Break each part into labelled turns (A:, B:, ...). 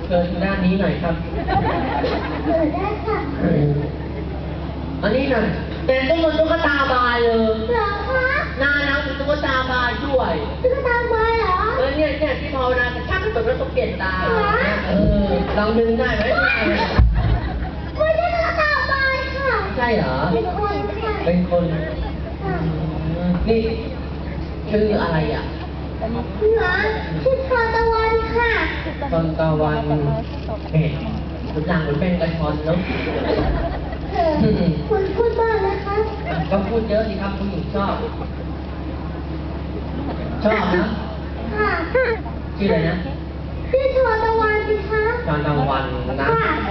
A: เชิญด้านนี้หน่อยครับ
B: เปิดได้ค่ะ
A: อันนี้หน่อยเป็นตุ๊กตาบายเลย
B: เหรอคะ
A: หน้าน้ำเป็นตุ๊กตาบายด้วย
B: ตุ๊กตาบายเหรอ
A: เนี่ยที่ภาวนาจะชักตัวแล้วต้องเปลี่ยนตาลองดึงได้ไหม
B: ไม่ใช่ตุ๊กตาบายค่ะ
A: ใช่เหรอ
B: เป็นคนค่ะ
A: เป็นคนนี่ชื่ออะไรอ่ะ
B: เหรอชื่อชอนตะวันค่ะ
A: ชอนตะวันเห็นคุณหลังเหมือนเป็นกระชอนเนาะ
B: คุณพูดบ้างนะคะ
A: ก็พูดเยอะสิครับคุณหญิงชอบนะ
B: ค่ะ
A: ชื่ออะไรนะ
B: ชื่อชอนตะวันสิคะ
A: ชอนตะวันนะ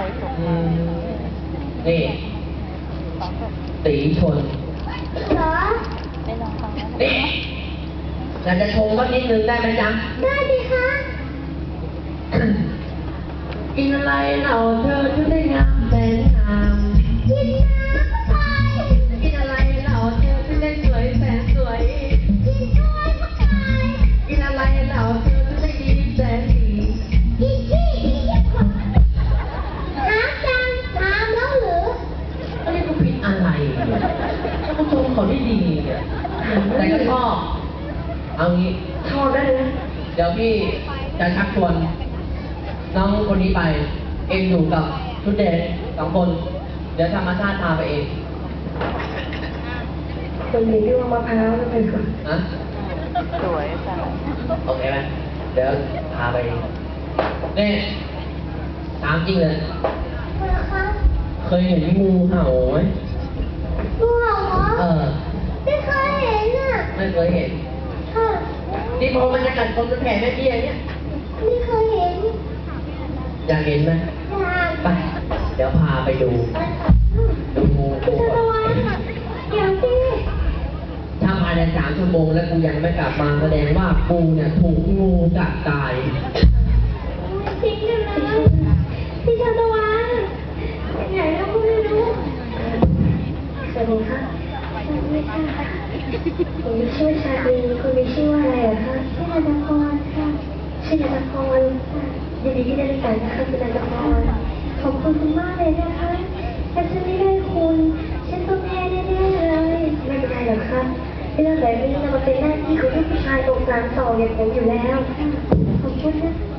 A: นี่ตีชน
B: เหรอ
A: นี่อยากจะชมว่านิดนึงได้ไหมจ๊ะ
B: ได้ดิคะ
A: กินอะไรเราเธอถึงได้งามแสนงาม
B: กินน้ำไป
A: กินอะไรเราเธอถึงได้สวยแสนสวย
B: กินกล้วยเข้าไป
A: กินอะไรเราเธอถึงได้ดีแสนดี
B: กินขี้ของถามจังถามแล้วหรือ
A: อันนี้ก็ผิดอะไรเนี่ยก็ชมเขาได้ดีเนี่ยแต่ก็ชอบเอางี้ชอบได้เลยเดี๋ยวพี่จะชักชวนน้องคนนี้ไปเองอยู่กับชุดแดง2 คนเดี๋ยวธรรมชาติพาไปเอง
B: คนนี้ที่ว่ามะพร้าวนั่นเป็นคน
C: สวยจัง
A: โอเคไหมเดี๋ยวพาไปนี่ถามจริงเลยเคยเห็นงูเห่าไหม
B: งูเห่าเหรอไม่เคยเห็นอ่ะ
A: ไม่เคยเห็นที่พอมันจะกัดคนจะแผ่แม่เบี้ยเนี่ย
B: ไม่เคยเห็น
A: อยากเห็นไหม
B: อยาก
A: ไปเดี๋ยวพาไปดูงู
B: ก่อนเดี๋ยวสิ
A: ถ้าภายใน3 ชั่วโมงแล้วกูยังไม่กลับมาแสดงว่ากูเนี่ยถูกงูกัดตาย
B: จริงเลยนะพี่ชาตะวันไหนแล้วกูไม่รู้สวัสดีค่ะสวัสดีค่ะผมมีชื่อชาลีคุณมีชื่อว่าอะไรคะชื่อนันทพรค่ะชื่อนันทพรยินดีที่ได้รู้จักนะคะคุณนันทพรขอบคุณมากเลยนะคะถ้าฉันไม่ได้คุณฉันต้องแพ้แน่ๆเลยไม่เป็นไรหรอกค่ะเรื่องแบบนี้มันเป็นหน้าที่ของผู้ชายอกสามสองอย่างผมอยู่แล้วขอบคุณนะ